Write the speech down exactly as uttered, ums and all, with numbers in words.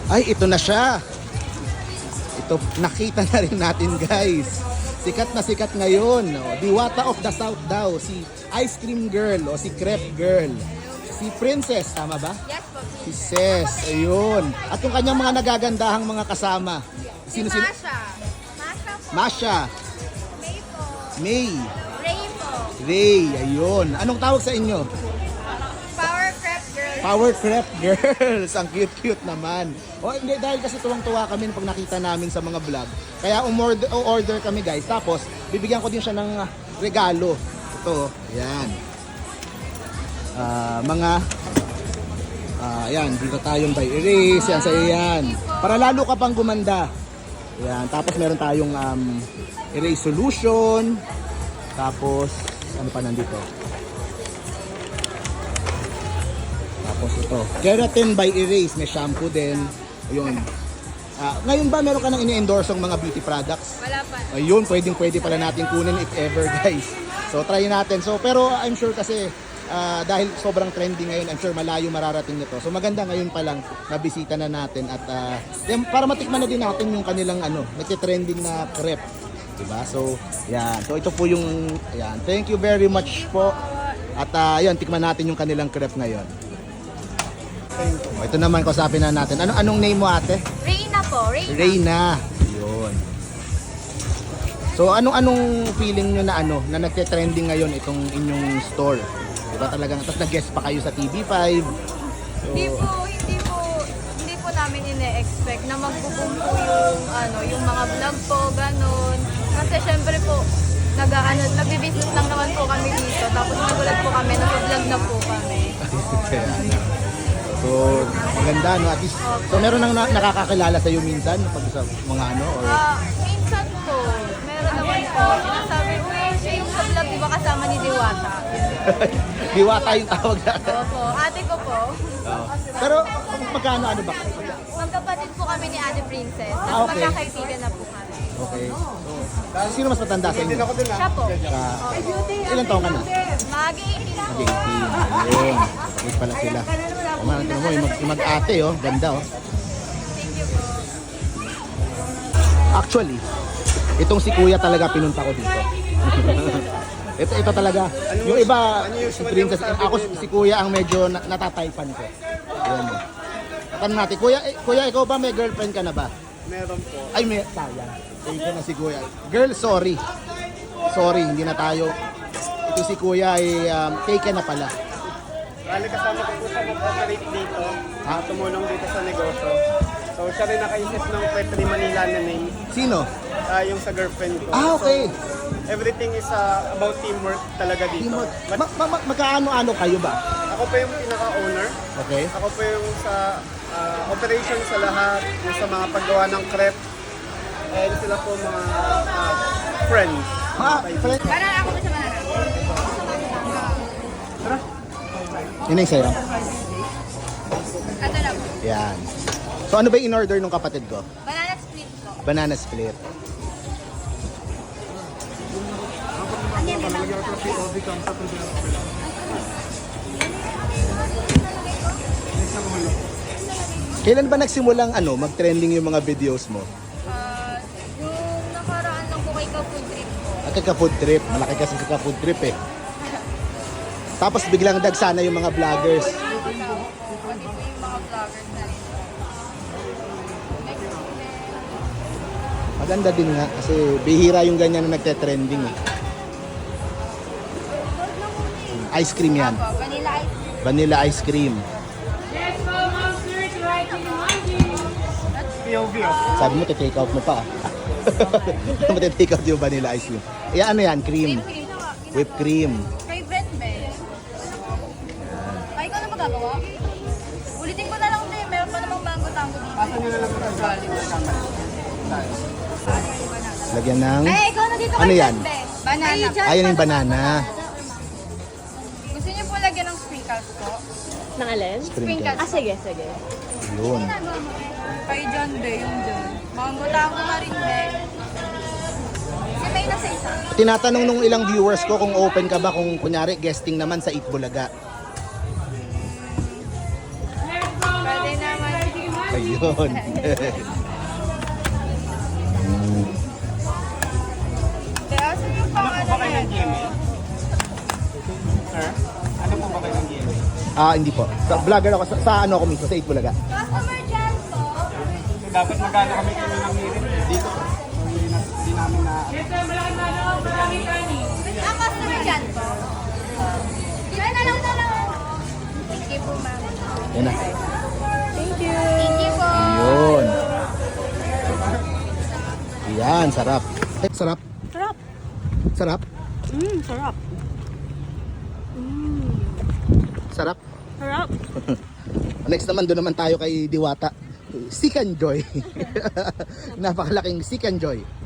Ay, ito na siya. Ito, nakita na rin natin guys. Sikat na sikat ngayon. Oh. Diwata of the South daw. Si Ice Cream Girl o si Crepe Girl. Si Princess, tama ba? Yes po. Si Ses, ayun. At yung kanyang mga nagagandahang mga kasama. Si Sino-sino? Masha. Masha po. Masha, May po. May, Ray po. Ray, ayun. Anong tawag sa inyo? Power Prep Girl. Power Crepe Girls. Ang cute-cute naman. O hindi, dahil kasi tuwang-tuwa kami pag nakita namin sa mga vlog. Kaya umorder, order kami guys. Tapos, bibigyan ko din siya ng ah, regalo. Ito, yan. Ah, mga, ah, yan, dito tayong by erase. Yan, sa yan. Para lalo ka pang gumanda. Yan, tapos meron tayong um, erase solution. Tapos, ano pa nandito? Tapos ito, keratin by erase, may shampoo din. Ayun. Ah, ngayon ba meron ka nang ini-endorse ng mga beauty products? Wala pa. Ayun, pwedeng pwede pala natin kunin if ever guys. So try natin. So pero I'm sure kasi ah, dahil sobrang trending ngayon, I'm sure malayo mararating nito. So maganda ngayon pa lang nabisita na natin at ah, yan, para matikman na din natin yung kanilang ano, nagte-trending na crepe. Diba? So, yan. So ito po yung yan. Thank you very much po. At ah, yan, tikman natin yung kanilang crepe ngayon. Oh, ito naman, kausapin na natin. Ano anong name mo ate? Reyna po. Reyna. Reyna. Yun. So anong anong feeling nyo na ano na nagte-trending ngayon itong inyong store? Diba talagang tapos nag-guest pa kayo sa T V five. So, Hindi po, hindi po, hindi po namin ine-expect na magbo-boom po yung, ano, yung mga vlog po, ganun. Kasi syempre po, nag, ano, nagbi-business lang naman po kami dito. Tapos nagulat po kami, nag-vlog na po kami. kaya na. So, maganda no at least. So meron nang na- nakakakilala sa iyo minsan pag sa mga ano or Ah, minsan po, meron naman po, sinasabi, uy, siya yung sa vlog, di ba kasama ni Diwata? Diwata yung tawag natin. Opo, ate ko po. Oo. Pero magkano ano ba? Magkapatid po kami ni Ate Princess. Tapos Ah, okay. magkakaibigan na po kami. Okay. So, sino mas matanda sa inyo? Siya po. Sa ilang taon ka na? Magi eighteen po. eighteen. Ayun. Wait pala sila. O man, tingnan mo, yung mag- yung mag-ate oh, ganda oh. Thank you po. Actually, itong si Kuya talaga pinunta ko dito. ito ito talaga. Yung iba, si Princess, ako si Kuya ang medyo na- natataypan ko. Ayun. oh. Tanong natin, Kuya, eh, Kuya, ikaw ba may girlfriend ka na ba? Meron po. Ay, may, sayang. Thank you na si Kuya. Girl, sorry. Sorry, hindi na tayo. Ito si Kuya ay um, taken na pala. Bali kasama ko po siya mag-operate dito. Ha? Tumulong dito sa negosyo. So siya rin nakaisip ng Petri Manila na name. Sino? ah, yung sa girlfriend ko. Ah, okay. So, everything is ah, about teamwork talaga dito. Teamwork. But Ma- ma- ma- magkaano-ano kayo ba? ako pa yung pinaka-owner. Okay. Ako pa yung sa ah, operation sa lahat. Yung sa mga paggawa ng crepe. And sila po mga ah, friends. Mga friend. Banana ako ba sa banana? Yun yung sa'yo. Ito na po. Yan. So ano ba yung in-order nung kapatid ko? Banana split po. Banana split. Kailan ba nagsimulang ano, mag-trending yung mga videos mo? Ah, yung nakaraan lang po kay Kapood Trip po. At kaka-food trip, malaki kasi kaka-food trip eh. Tapos biglang dagsana yung mga vloggers. Pati po yung mga vloggers na rin. Maganda din nga kasi bihira yung ganyan na nagte-trending eh. Ice cream yan. Apo, vanilla ice cream. Vanilla ice cream. P O V oh. Sabi mo, take out mo pa. Ano mo take out yung vanilla ice cream? Eh ano yan? Cream. Cream cream. Whipped cream. Favorite be. Ay, ikaw na magagawa? Ulitin ko na lang din. Meron pa namang mango tango dito. Asa nyo na lang po sa aling kasama. Lagyan ng... Ay, ikaw na dito Ano kay yan? Jan, be. Banana. Ayun yung banana. Gusto niyo po lagyan ng sprinkles po? Ng alin? Sprinkles. Ah, sige, sige. Yun. Kay John be, yung John. Mango tango na rin be. Si May na sa isa. Tinatanong nung ilang viewers ko kung open ka ba kung kunyari guesting naman sa Eat Bulaga. Pwede naman. Ayun. Kaya sige pa, Ano po ba kayo ng G M A? Sir? Ano po ba kayo ng G M A? Ah, hindi po. Sa, vlogger ako. Sa, sa ano ako mismo, sa eight Bulaga. Customer dyan po. So, dapat magkano kami kami ng meeting dito. So, hindi, na, hindi namin na... Ah, customer dyan po. Yan na lang na lang. Thank you po, ma'am. Yan na. Thank you. Thank you po. Yun. Yan, sarap. Eh, sarap. Sarap. Sarap. Mmm, sarap. Mmm, Sarap. sarap. Next naman, doon naman tayo kay Diwata. Sikan Joy. Napakalaking Sikan Joy.